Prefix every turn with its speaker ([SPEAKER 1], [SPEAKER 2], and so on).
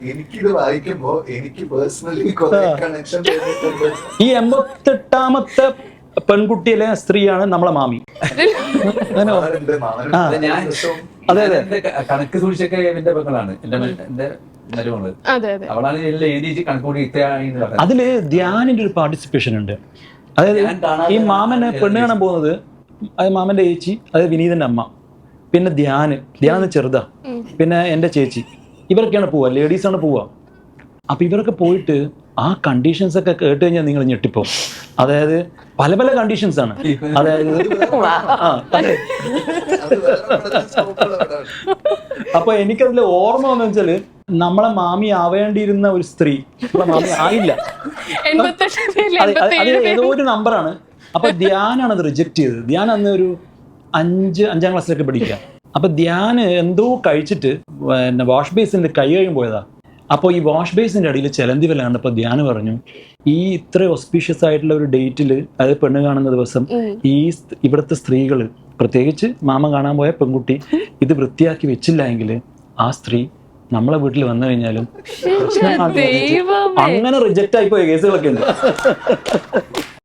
[SPEAKER 1] എനിക്കിത് വായിക്കുമ്പോ എനിക്ക് പേഴ്സണലി കുറെ കണക്ഷൻ
[SPEAKER 2] ഈ 88ാമത്തെ പെൺകുട്ടിയിലെ സ്ത്രീയാണ് നമ്മളെ മാമി. അങ്ങനെ
[SPEAKER 3] ഞാൻ
[SPEAKER 2] അതെ അതെ
[SPEAKER 3] എന്റെ കണക്ക് സൂക്ഷിച്ചൊക്കെ എന്റെ പെങ്ങളാണ്, എന്റെ മരുമകള്. അവളാണ് എല്ലാം എഴുതി കണക്ക് കൂടി ഇത്രയാണെന്ന് പറഞ്ഞത്.
[SPEAKER 2] അതില് ധ്യാനിന്റെ ഒരു പാർട്ടിസിപ്പേഷൻ ഉണ്ട്. അതായത് ഈ മാമനെ പെണ്ണ് കാണാൻ പോകുന്നത്, അത് മാമന്റെ ചേച്ചി, അത് വിനീതന്റെ അമ്മ, പിന്നെ ധ്യാന ചെറുതാ, പിന്നെ എന്റെ ചേച്ചി, ഇവരൊക്കെയാണ് പോവുക, ലേഡീസാണ് പോവുക. അപ്പൊ ഇവരൊക്കെ പോയിട്ട് ആ കണ്ടീഷൻസ് ഒക്കെ കേട്ട് കഴിഞ്ഞാൽ നിങ്ങൾ ഞെട്ടിപ്പോ. അതായത് പല പല കണ്ടീഷൻസ് ആണ്. അതായത് അപ്പൊ എനിക്കതിൽ ഓർമ്മ വന്നു വെച്ചാല്, നമ്മളെ മാമി ആവേണ്ടിയിരുന്ന ഒരു സ്ത്രീ നമ്മളെ മാമി ആയില്ല. അത് ഏതോ ഒരു നമ്പറാണ്. അപ്പൊ ധ്യാനാണ് അത് റിജക്ട് ചെയ്തത്. ധ്യാൻ അന്ന് ഒരു 5ാം ക്ലാസ്സിലൊക്കെ പഠിക്കുക. അപ്പൊ ധ്യാന് എന്തോ കഴിച്ചിട്ട് പിന്നെ വാഷ് ബേസിന്റെ കൈ കഴിയും പോയതാ. അപ്പോൾ ഈ വാഷ് ബേസിന്റെ അടിയിൽ ചിലന്തി വല കണ്ടപ്പോൾ ധ്യാന് പറഞ്ഞു, ഈ ഇത്ര ഓസ്പീഷ്യസ് ആയിട്ടുള്ള ഒരു ഡേറ്റിൽ, അതായത് പെണ്ണ് കാണുന്ന ദിവസം, ഈ ഇവിടുത്തെ സ്ത്രീകൾ, പ്രത്യേകിച്ച് മാമ കാണാൻ പോയ പെൺകുട്ടി ഇത് വൃത്തിയാക്കി വെച്ചില്ല എങ്കിൽ ആ സ്ത്രീ നമ്മളെ വീട്ടിൽ വന്നു കഴിഞ്ഞാലും അങ്ങനെ റിജക്റ്റ് ആയിപ്പോയ കേസുകളൊക്കെ ഉണ്ട്.